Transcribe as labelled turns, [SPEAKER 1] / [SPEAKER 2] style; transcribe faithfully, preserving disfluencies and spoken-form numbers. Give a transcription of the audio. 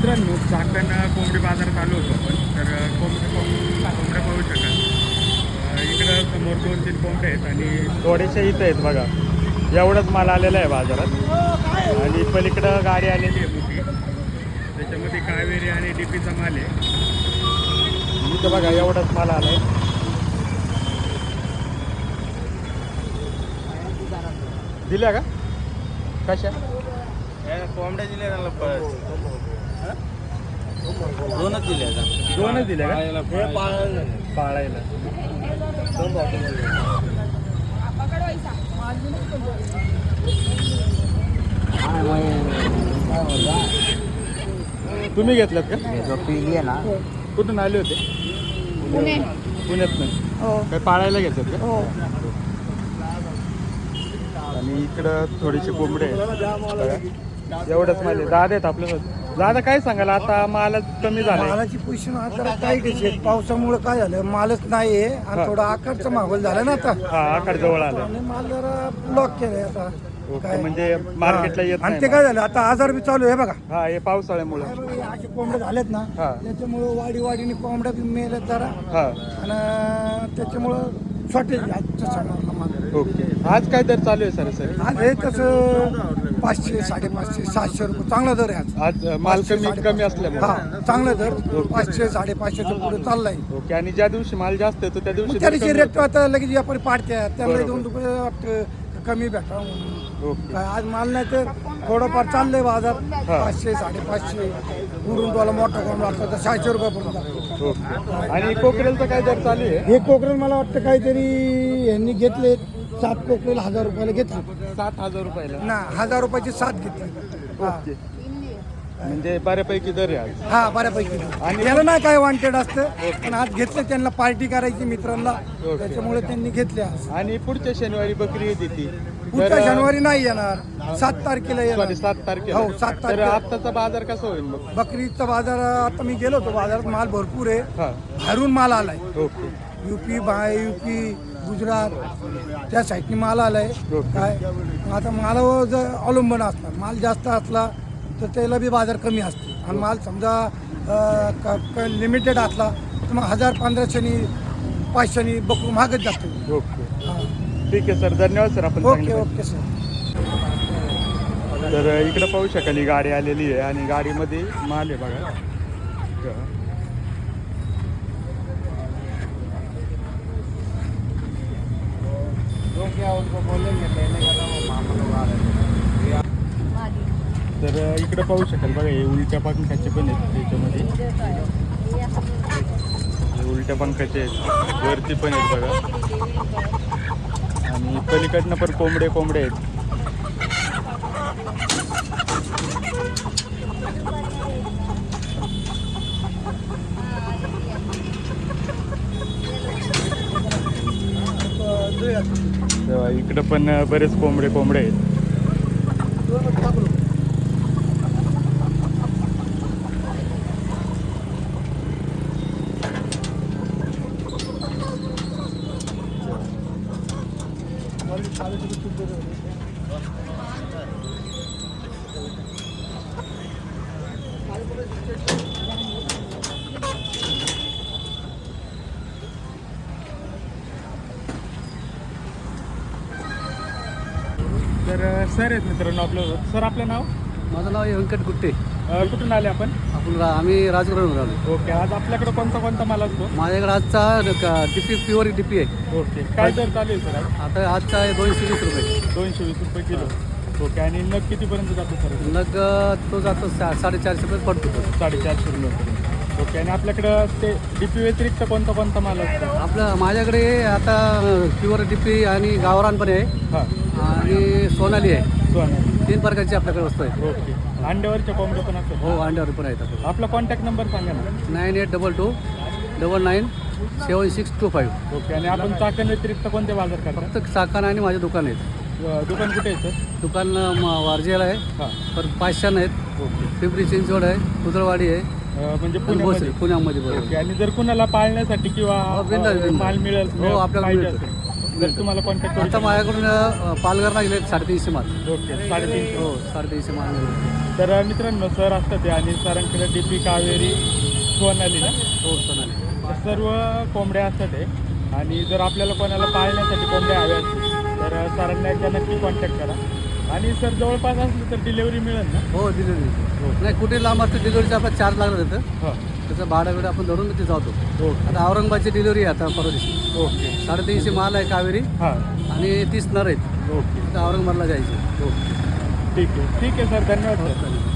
[SPEAKER 1] मित्रांनो, चाकण कोंबडी बाजार चालू होतो आपण. तर कोंबडी कोंबड्या पाहू शकाल. अ, इकडं समोर दोन तीन कोंबडे आहेत आणि थोडेसे इथं आहेत बघा. एवढंच माल आलेला आहे बाजारात. आणि पलीकडं गाडी आलेली आहे मोठी, त्याच्यामध्ये कावेरी आणि डीपीचा माल आहे. इथं बघा एवढाच माल आला आहे. दिल्या का कशा
[SPEAKER 2] कोंबड्या दिल्या दोनच दिल्या
[SPEAKER 1] दोनच दिल्या का पाळायला. तुम्ही घेतल्यात का?
[SPEAKER 2] पिली आहे ना.
[SPEAKER 1] कुठून आले होते?
[SPEAKER 3] पुणे.
[SPEAKER 1] पुण्यात नाही
[SPEAKER 3] हो
[SPEAKER 1] काय पाळायला घेतात का?
[SPEAKER 3] हो.
[SPEAKER 1] आणि इकडं थोडीशी कोंबडे आहेत. एवढंच माल आहे. दादा आहेत आपल्यासोबत. दादा काय सांगाल, आता मालच कमी झाला?
[SPEAKER 4] मालाची पोझिशन आता टाईट आहे. पावसामुळे काय झालं, मालच नाही आहे आणि थोडा आकारचा माहोल झाला ना आता.
[SPEAKER 1] हा आकार जवळ आला.
[SPEAKER 4] आणि माल जरा ब्लॉक केलाय आता.
[SPEAKER 1] ओके, म्हणजे मार्केटला येत
[SPEAKER 4] आणि
[SPEAKER 1] नाही
[SPEAKER 4] ते काय झालं, आता आजार बी चालू आहे बघा.
[SPEAKER 1] हा हे पावसाळ्यामुळे.
[SPEAKER 4] असे कोंबड्या झालेत ना,
[SPEAKER 1] हा.
[SPEAKER 4] त्याच्यामुळे वाडी वाडीने कोंबड्या बी मेल्यात जरा.
[SPEAKER 1] हा
[SPEAKER 4] आणि त्याच्यामुळं शॉर्टेज आजच्या सणाला माल.
[SPEAKER 1] ओके. आज काय दर चालू आहे सर सर?
[SPEAKER 4] आज हे तसं पाचशे साडेपाचशे सातशे रुपये चांगला दर आहे आज.
[SPEAKER 1] आज माल
[SPEAKER 4] पाचशे,
[SPEAKER 1] कमी कमी
[SPEAKER 4] साडेपाचशे.
[SPEAKER 1] असल्यामुळे.
[SPEAKER 4] हा चांगला दर पाचशे साडेपाचशेच्या पुढे चाललाय.
[SPEAKER 1] ओके. आणि ज्या दिवशी माल जास्त येतो त्या दिवशी
[SPEAKER 4] त्या
[SPEAKER 1] दर
[SPEAKER 4] दिवशी
[SPEAKER 1] कमी
[SPEAKER 4] रेट आता लगेच व्यापारी पाडतात, त्यांना
[SPEAKER 1] बरोबर.
[SPEAKER 4] दोन रुपये वाटतं कमी भेटा म्हणून.
[SPEAKER 1] होतो. ओके.
[SPEAKER 4] काय आज माल नाही तर थोडंफार चाललंय बाजार.
[SPEAKER 1] हा.
[SPEAKER 4] पाचशे साडेपाचशे उडून तुला मोठा कोंबडा असला तर सहाशे रुपयापर्यंत जातो.
[SPEAKER 1] ओके. आणि कोकरेलचं काय दर चालू आहे?
[SPEAKER 4] हे कोकरेल मला वाटतं काहीतरी यांनी घेतले सात कोकरेल हजार रुपयाला घेतले
[SPEAKER 1] सात हजार रुपयाला.
[SPEAKER 4] ना, हजार रुपयाची सात घेतली. हा.
[SPEAKER 1] ओके. म्हणजे बऱ्यापैकी दर आहे आज.
[SPEAKER 4] हा बऱ्यापैकी.
[SPEAKER 1] आणि-
[SPEAKER 4] आणि याला नाही काय वॉन्टेड असतं, पण आज घेतलं त्यांना पार्टी करायची मित्रांना,
[SPEAKER 1] ओके.
[SPEAKER 4] त्याच्यामुळे त्यांनी घेतले आज.
[SPEAKER 1] आणि पुढच्या शनिवारी बकरी येते ती.
[SPEAKER 4] पुढच्या
[SPEAKER 1] तर-
[SPEAKER 4] शनिवारी नाही येणार, सात तारखेला येणार.
[SPEAKER 1] सॉरी सात तारखेला.
[SPEAKER 4] हो, सात
[SPEAKER 1] तर
[SPEAKER 4] तारखेला.
[SPEAKER 1] आत्ताचा बाजार कसा होईल मग?
[SPEAKER 4] बकरीचा बाजार आता मी गेलो होतो, बाजारात माल भरपूर आहे.
[SPEAKER 1] हा.
[SPEAKER 4] बाहेरून माल आलाय.
[SPEAKER 1] Okay.
[SPEAKER 4] UP by UP Gujarat त्या साईडनी माल आलाय.
[SPEAKER 1] ओके.
[SPEAKER 4] काय मग आता मालावर जर अवलंबून असणार, माल जास्त असला तर त्याला बी बाजार कमी असते. आणि माल समजा लिमिटेड असला तर मग हजार पंधराशेनी पाचशेनी बकरू महागच जातो.
[SPEAKER 1] ओके.
[SPEAKER 4] हा.
[SPEAKER 1] ठीक आहे सर, धन्यवाद सर. आपण
[SPEAKER 4] ओके
[SPEAKER 1] सांगितलं.
[SPEAKER 4] Okay sir.
[SPEAKER 1] तर इकडे पाहू शकाल ही गाडी आलेली आहे आणि गाडीमध्ये माल आहे बघा. तर इकडे पाहू शकाल बघा, हे उलट्या पंखाचे पण आहेत त्याच्यामध्ये. हे उलट्या पंखाचे आहेत, वरती पण आहेत बघा. आणि पलीकडनं पण कोंबडे कोंबडे आहेत. तेव्हा इकडं पण बरेच कोंबडे कोंबडे आहेत. तर सर आहेत मित्रांनो आपलं. सर आपलं नाव?
[SPEAKER 2] माझं नाव आहे व्यंकट गुट्टे.
[SPEAKER 1] अ, कुठून आले आपण?
[SPEAKER 2] आपण रा- आम्ही राजगडवरून आलो.
[SPEAKER 1] ओके. आज आपल्याकडे कोणता कोणता माल असतो?
[SPEAKER 2] माझ्याकडे आजचा डीपी प्युअर डीपी आहे.
[SPEAKER 1] ओके. काय दर चालू आहे सर आज?
[SPEAKER 2] आता आजचा आहे दोनशे वीस रुपये.
[SPEAKER 1] दोनशे वीस रुपये किलो. ओके. आणि नग कितीपर्यंत जातो सर?
[SPEAKER 2] नग तो जातो सा साडेचारशे रुपये पडतो तो.
[SPEAKER 1] साडेचारशे रुपये. ओके. आणि आपल्याकडं ते डीपी व्यतिरिक्त कोणता कोणता माल असतो?
[SPEAKER 2] आपलं माझ्याकडे आता प्युअर डीपी आणि गावरान पण आहे
[SPEAKER 1] हां.
[SPEAKER 2] आणि सोनाली आहे.
[SPEAKER 1] सोना.
[SPEAKER 2] तीन प्रकारची आपल्याकडे वस्तू आहे.
[SPEAKER 1] ओके. अंड्यावरच्या कोंबड्या पण असतात?
[SPEAKER 2] हो, अंड्यावर पण आहेत आपल्याकडे.
[SPEAKER 1] आपला कॉन्टॅक्ट नंबर सांगा ना.
[SPEAKER 2] Nine eight double two double nine seven six two five.
[SPEAKER 1] Okay. आणि आपण चाकण व्यतिरिक्त कोणते बाजार करता?
[SPEAKER 2] फक्त चाकण आणि माझे दुकान आहेत.
[SPEAKER 1] अ, दुकान कुठे आहे सर?
[SPEAKER 2] दुकान म- वारजेला आहे,
[SPEAKER 1] हां.
[SPEAKER 2] तर पाचशान आहेत.
[SPEAKER 1] ओके.
[SPEAKER 2] पिंपरी चिंचवड आहे, कुदळवाडी आहे,
[SPEAKER 1] अ, म्हणजे
[SPEAKER 2] आणि
[SPEAKER 1] पुण्यामध्ये.
[SPEAKER 2] भोसरी पुण्यामध्ये बरोबर.
[SPEAKER 1] ओके. आणि जर कुणाला पाळण्यासाठी किंवा
[SPEAKER 2] हो, बिनधास्त,
[SPEAKER 1] अ,
[SPEAKER 2] बिनधास्त.
[SPEAKER 1] माल मिळेल
[SPEAKER 2] हो, आपल्याला
[SPEAKER 1] पाहिजे
[SPEAKER 2] मिळतं.
[SPEAKER 1] असेल जर तुम्हाला कॉन्टॅक्ट करू
[SPEAKER 2] आता माझ्याकडून अ, पालघरला गेले साडेतीनशे माल.
[SPEAKER 1] ओके साडेतीनशे
[SPEAKER 2] हो साडेतीनशे माल गेले.
[SPEAKER 1] तर मित्रांनो सर असतात ते आणि सरांकडे डी पी कावेरी सोनाली ना
[SPEAKER 2] हो सोनाली.
[SPEAKER 1] तर सर्व कोंबड्या असतात ते आणि जर आपल्याला कोणाला पाळण्यासाठी कोंबड्या हव्या असतील तर सरांना एकदा नक्की कॉन्टॅक्ट करा. आणि सर जवळपास असलं तर डिलेवरी मिळेल ना.
[SPEAKER 2] हो डिलिव्हरी नाही कुठे लांब असते डिलिव्हरीचा आपला चार्ज लागला तिथं.
[SPEAKER 1] हो
[SPEAKER 2] त्याचं भाडं बिडं आपण धरून ते जातो.
[SPEAKER 1] ओके
[SPEAKER 2] आता औरंगाबादची डिलिव्हरी आहे आता परवा दिवशी.
[SPEAKER 1] ओके
[SPEAKER 2] साडेतीनशे माल आहे कावेरी
[SPEAKER 1] हां
[SPEAKER 2] आणि तीस नर आहेत.
[SPEAKER 1] ओके
[SPEAKER 2] आता औरंगाबादला जायचे.
[SPEAKER 1] ओके ठीक आहे ठीक आहे सर धन्यवाद सर.